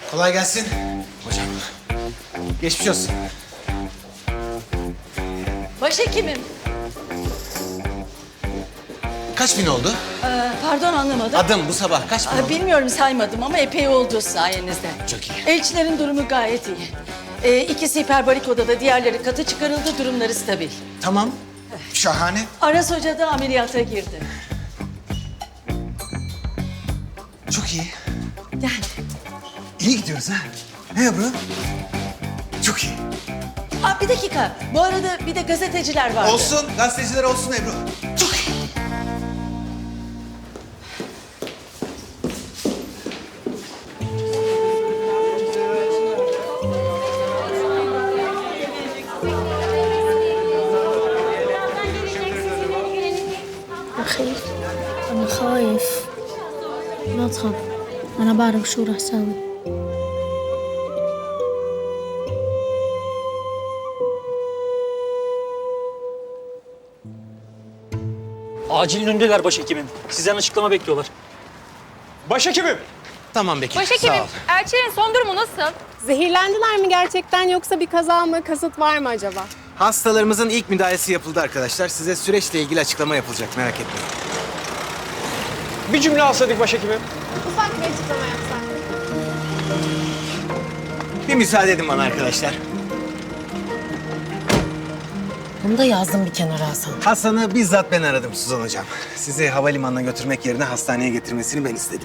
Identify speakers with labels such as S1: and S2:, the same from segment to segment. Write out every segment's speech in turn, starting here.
S1: Kolay gelsin. Hocam. Geçmiş olsun.
S2: Başhekimim.
S1: Kaç bin oldu?
S2: Pardon anlamadım.
S1: Adım bu sabah kaç bin oldu?
S2: Bilmiyorum saymadım ama epey oldu sayenizde.
S1: Çok iyi.
S2: Elçilerin durumu gayet iyi. İkisi hiperbarik odada, diğerleri katı çıkarıldı, durumları stabil.
S1: Tamam. Şahane.
S2: Aras Hoca da ameliyata girdi.
S1: Çok iyi.
S2: Yani
S1: İyi gidiyoruz ha. Ne Ebru? Çok iyi.
S2: bir dakika. Bu arada bir de gazeteciler vardı.
S1: Olsun. Gazeteciler olsun Ebru. Çok iyi.
S3: أخي أنا خايف لا تخاف أنا بعرف شو رح ساوي
S4: Acilin önündeler başhekimim. Sizden açıklama bekliyorlar.
S5: Başhekimim.
S1: Tamam Bekir. Sağ
S6: Başhekimim,
S1: ol.
S6: Elçilerin son durumu nasıl?
S7: Zehirlendiler mi gerçekten yoksa bir kaza mı, kasıt var mı acaba?
S1: Hastalarımızın ilk müdahalesi yapıldı arkadaşlar. Size süreçle ilgili açıklama yapılacak. Merak etmeyin.
S5: Bir cümle alsaydık başhekimim.
S7: Ufak bir açıklama yapsak.
S1: Bir müsaade edin bana arkadaşlar.
S8: Bunu da yazdım bir kenara Hasan.
S1: Hasan'ı bizzat ben aradım Suzan Hocam. Sizi havalimanına götürmek yerine hastaneye getirmesini ben istedim.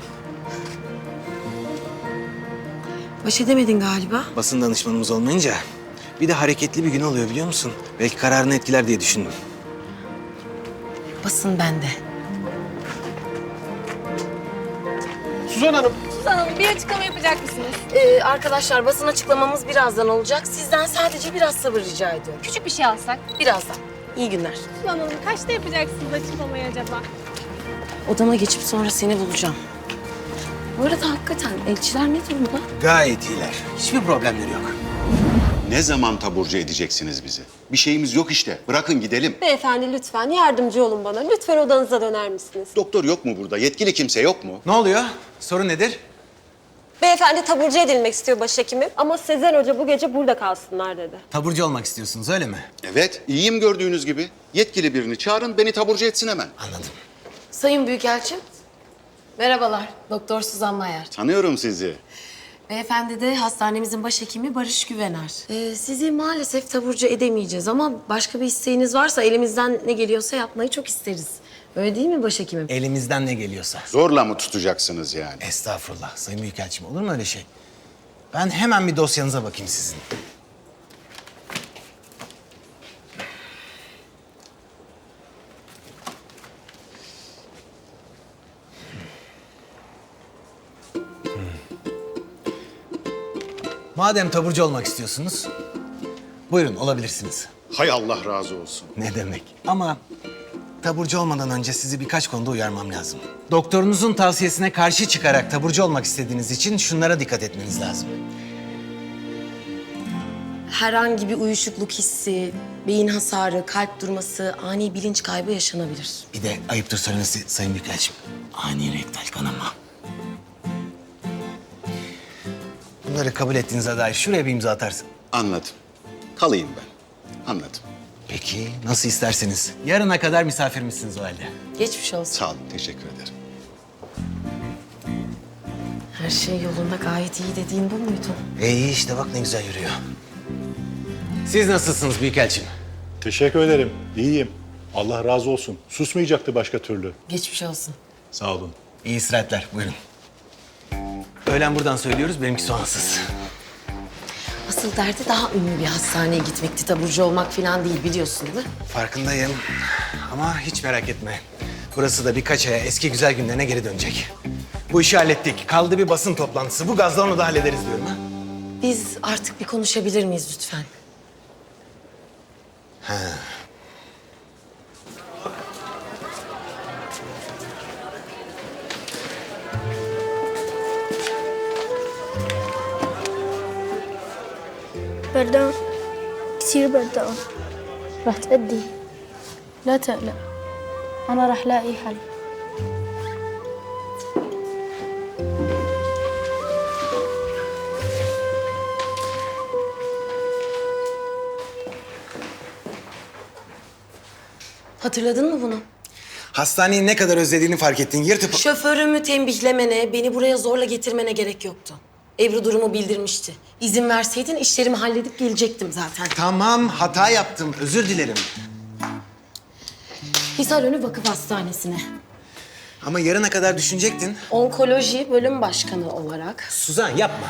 S8: Baş edemedin galiba.
S1: Basın danışmanımız olmayınca bir de hareketli bir gün oluyor biliyor musun? Belki kararını etkiler diye düşündüm.
S8: Basın bende.
S5: Suzan Hanım.
S6: Suzan Hanım bir açıklama yapacak mısınız?
S8: Arkadaşlar basın açıklamamız birazdan olacak. Sizden sadece biraz sabır rica ediyorum.
S6: Küçük bir şey alsak.
S8: Birazdan. İyi günler.
S7: Suzan Hanım kaçta yapacaksınız açıklamayı acaba?
S8: Odama geçip sonra seni bulacağım. Bu arada hakikaten elçiler ne durumda?
S1: Gayet iyiler. Hiçbir problemleri yok.
S9: Ne zaman taburcu edeceksiniz bizi? Bir şeyimiz yok işte. Bırakın gidelim.
S7: Beyefendi lütfen yardımcı olun bana. Lütfen odanıza döner misiniz?
S9: Doktor yok mu burada? Yetkili kimse yok mu?
S1: Ne oluyor? Sorun nedir?
S7: Beyefendi taburcu edilmek istiyor başhekimim. Ama Sezer Hoca bu gece burada kalsınlar dedi.
S1: Taburcu olmak istiyorsunuz öyle mi?
S9: Evet, iyiyim gördüğünüz gibi. Yetkili birini çağırın, beni taburcu etsin hemen.
S1: Anladım.
S8: Sayın Büyükelçim. Merhabalar. Doktor Suzan Mayer.
S9: Tanıyorum sizi.
S8: Beyefendi de hastanemizin başhekimi Barış Güvener. Sizi maalesef taburcu edemeyeceğiz ama başka bir isteğiniz varsa elimizden ne geliyorsa yapmayı çok isteriz. Öyle değil mi başhekimim?
S1: Elimizden ne geliyorsa.
S9: Zorla mı tutacaksınız yani?
S1: Estağfurullah Sayın Büyükelçim olur mu öyle şey? Ben hemen bir dosyanıza bakayım sizin. Madem taburcu olmak istiyorsunuz, buyurun olabilirsiniz.
S9: Hay Allah razı olsun.
S1: Ne demek? Ama taburcu olmadan önce sizi birkaç konuda uyarmam lazım. Doktorunuzun tavsiyesine karşı çıkarak taburcu olmak istediğiniz için şunlara dikkat etmeniz lazım.
S8: Herhangi bir uyuşukluk hissi, beyin hasarı, kalp durması, ani bilinç kaybı yaşanabilir.
S1: Bir de ayıptır söylemesi Sayın Büyükelçim. Ani rektal kanama. Bunları kabul ettiğinize dair şuraya bir imza atarsın.
S9: Anladım. Kalayım ben. Anladım.
S1: Peki, nasıl isterseniz. Yarına kadar misafirimizsiniz o halde.
S8: Geçmiş olsun.
S9: Sağ olun, teşekkür ederim.
S8: Her şey yolunda gayet iyi dediğin bu muydu?
S1: İyi işte bak ne güzel yürüyor. Siz nasılsınız Büyükelçim?
S10: Teşekkür ederim. İyiyim. Allah razı olsun. Susmayacaktı başka türlü.
S8: Geçmiş olsun.
S10: Sağ olun.
S1: İyi istirahatler, buyurun. Öğlen buradan söylüyoruz, benimki soğansız.
S8: Asıl derdi daha ünlü bir hastaneye gitmekti. Taburcu olmak falan değil biliyorsun değil mi?
S1: Farkındayım ama hiç merak etme. Burası da birkaç aya eski güzel günlerine geri dönecek. Bu işi hallettik. Kaldı bir basın toplantısı. Bu gazla onu da hallederiz diyorum ha.
S8: Biz artık bir konuşabilir miyiz lütfen?
S3: بردان كثير بردان رح تأدي لا تقلق أنا رح لاقي حل
S8: Hatırladın mı bunu?
S1: Hastaneyi ne kadar özlediğini fark ettin. Yırtıp...
S8: Şoförümü tembihlemene, beni buraya zorla getirmene gerek yoktu. Ebru durumu bildirmişti. İzin verseydin işlerimi halledip gelecektim zaten.
S1: Tamam, hata yaptım. Özür dilerim.
S8: Hisarönü Vakıf Hastanesi'ne.
S1: Ama yarına kadar düşünecektin.
S8: Onkoloji bölüm başkanı olarak.
S1: Suzan yapma.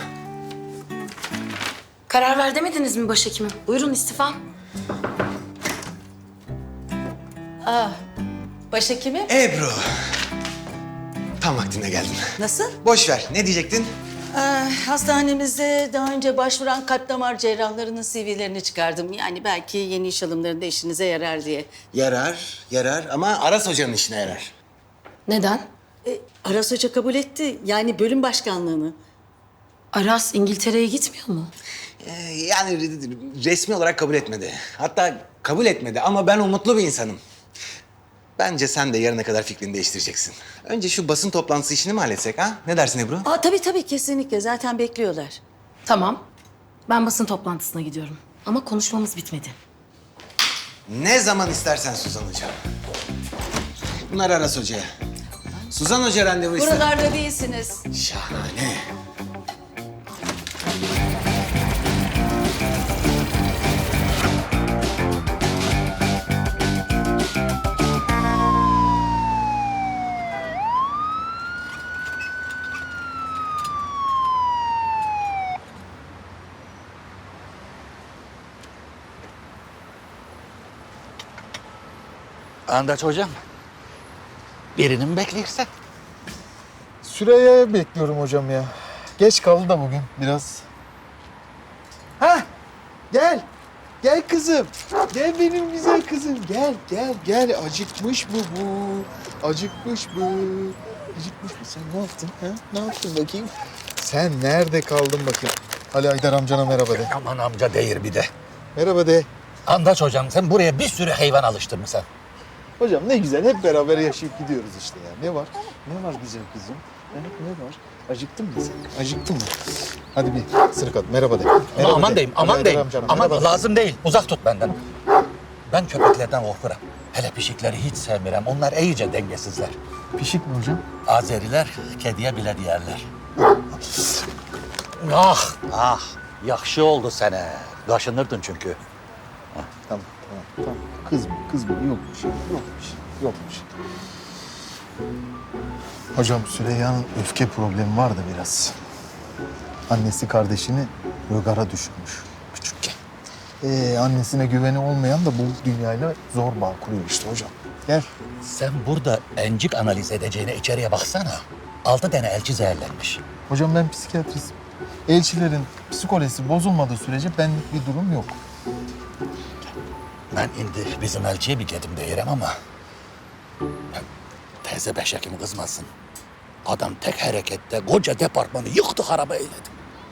S8: Karar ver demediniz mi başhekimim? Buyurun istifa.
S2: Başhekimi?
S1: Ebru. Tam vaktinde geldin.
S2: Nasıl?
S1: Boş ver. Ne diyecektin?
S2: Hastanemizde daha önce başvuran kalp damar cerrahlarının CV'lerini çıkardım. Yani belki yeni iş alımlarında işinize yarar diye.
S1: Yarar ama Aras Hoca'nın işine yarar.
S8: Neden?
S2: Aras Hoca kabul etti. Yani bölüm başkanlığını.
S8: Aras İngiltere'ye gitmiyor mu?
S1: Yani resmi olarak kabul etmedi. Hatta kabul etmedi ama ben umutlu bir insanım. Bence sen de yarına kadar fikrini değiştireceksin. Önce şu basın toplantısı işini mi halletsek ha? Ne dersin Ebru?
S2: Tabii kesinlikle. Zaten bekliyorlar.
S8: Tamam. Ben basın toplantısına gidiyorum. Ama konuşmamız bitmedi.
S1: Ne zaman istersen Suzan Hoca. Bunlar Aras Hoca'ya. Suzan Hoca randevu ister.
S2: Buralarda değilsiniz.
S1: Şahane.
S11: Andaç hocam. Birini mi bekliyorsun?
S5: Süreyya'yı bekliyorum hocam ya. Geç kaldı da bugün biraz. Hah! Gel. Gel kızım. Gel benim güzel kızım. Gel. Acıkmış bu. Acıkmış bu. Sen ne yaptın ha? Ne yaptın bakayım? Sen nerede kaldın bakayım? Ali Aydar amcana merhaba de.
S11: Aman amca değil bir de.
S5: Merhaba de.
S11: Andaç hocam sen buraya bir sürü hayvan alıştırmışsın.
S5: Hocam ne güzel hep beraber yaşayıp gidiyoruz işte ya. Ne var? Ne var güzel kızım? Ha, ne var? Acıktın mı sen? Acıktın mı? Hadi bir ısırık at. Merhaba de. Merhaba
S11: Aman
S5: de.
S11: deyim, aman
S5: Ali
S11: deyim.
S5: Aydar amcana
S11: Aman
S5: merhaba.
S11: lazım değil. Uzak tut benden. Ben köpeklerden korkuram. Hele pişikleri hiç sevmirem. Onlar iyice dengesizler.
S5: Pişik mi hocam?
S11: Azeriler kediye bile diyerler. Ah. Yakşı oldu sana. Kaşınırdın çünkü.
S5: Tamam. Kızma. Yok bir şey. Hocam Süreyya'nın öfke problemi var da biraz. Annesi kardeşini rögara düşürmüş küçükken. Annesine güveni olmayan da bu dünyayla zor bağ kuruyor işte hocam. Gel.
S11: Sen burada encik analiz edeceğine içeriye baksana. 6 tane elçi zehirlenmiş.
S5: Hocam ben psikiyatristim. Elçilerin psikolojisi bozulmadığı sürece benlik bir durum yok.
S11: Ben indi bizim elçiye bir gedim değilim ama... Teyze beşekimi kızmasın. Adam tek harekette koca departmanı yıktı haraba eyledi.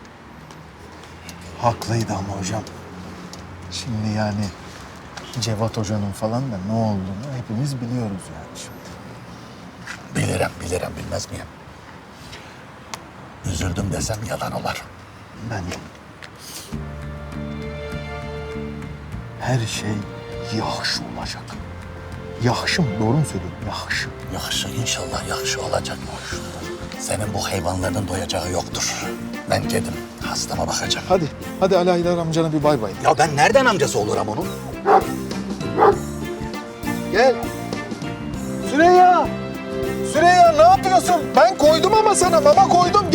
S5: Haklıydı ama hocam. Şimdi yani Cevat Hoca'nın falan da ne olduğunu hepimiz biliyoruz yani şimdi.
S11: Bilirim bilmez miyim? Üzüldüm desem yalan olur.
S5: Ben her şey yaxşı olacak. Yaxşı mı? Doğru mu söylüyorum? Yaxşı.
S11: Yakşı inşallah yakşı olacak. Senin bu hayvanlarının doyacağı yoktur. Ben gedim hastama bakacağım.
S5: Hadi Ali Aydar amcana bir bay bay.
S11: Ya ben nereden amcası olurum onun?
S5: Gel. Süreyya ne yapıyorsun? Ben koydum ama sana mama koydum.